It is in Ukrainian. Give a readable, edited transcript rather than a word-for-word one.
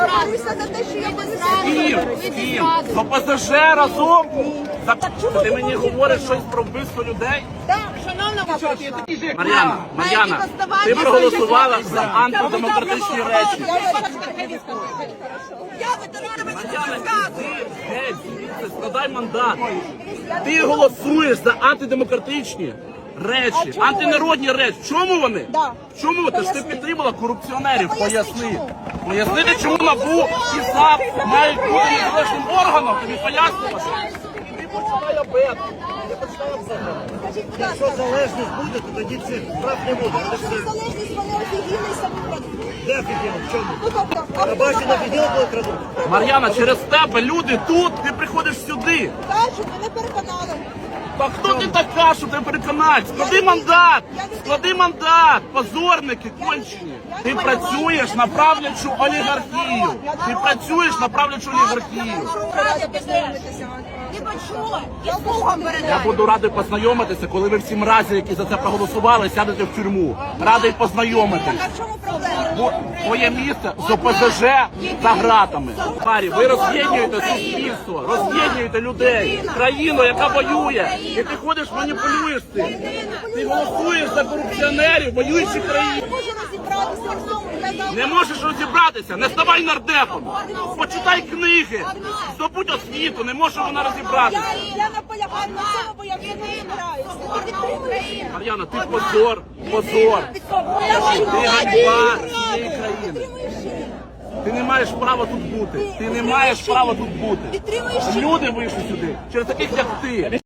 борюся за те, що я без З ким? З ОПЗЖ разом? Ти мені говориш щось про вбивство людей? Мар'яна, ти проголосувала за антидемократичні речі. Геть, звідси, складай мандат. Ти голосуєш за антидемократичні речі, антинародні речі. В чому вони? Чому? Ти ж ти підтримала корупціонерів. Поясни. Пояснити, чому НАБУ і САП мають бути незалежним органом. Тобі пояснювати? Ти починай обед. Ти починай обзагал. Якщо залежність буде, то тоді цих прав не буде. Залежність вони офігіли самі. Де офігенно? В чому? На базі на відділ коли крадуть? Мар'яна, через тебе люди тут, ти приходиш сюди. Кажуть, мене переконали. Та хто ти така, що тебе переконати? Склади мандат! Склади мандат! Позорники кончені! Ти працюєш на правлячу олігархію! Ти працюєш на правлячу олігархію! Ти почула? Я Богом Я передаю. буду радий познайомитися, коли ви всі мразі, які за це проголосували, сядете в тюрму. Радий познайомитись. А в чому проблема? Бо твоє місце з ОПЗЖ за гратами. Парі, ви роз'єднуєте суспільство, роз'єднуєте людей, країну, яка воює. І ти ходиш, маніпулюєш цим. Ти голосуєш за корупціонерів, воюючі країни. Я можу розібратися в цьому. Я Не можеш розібратися, не ставай нардепом. Почитай книги, здобудь освіту, не може вона розібратися. Я наполягаю на цьому, бо я вже не збираюся. Ти підтримуєш? Мар'яна, ти позор, позор. Ти ганьба цієї країни. Ти не маєш права тут бути. Ти не маєш права тут бути. Підтримуєш? Люди вийшли сюди через таких, як ти.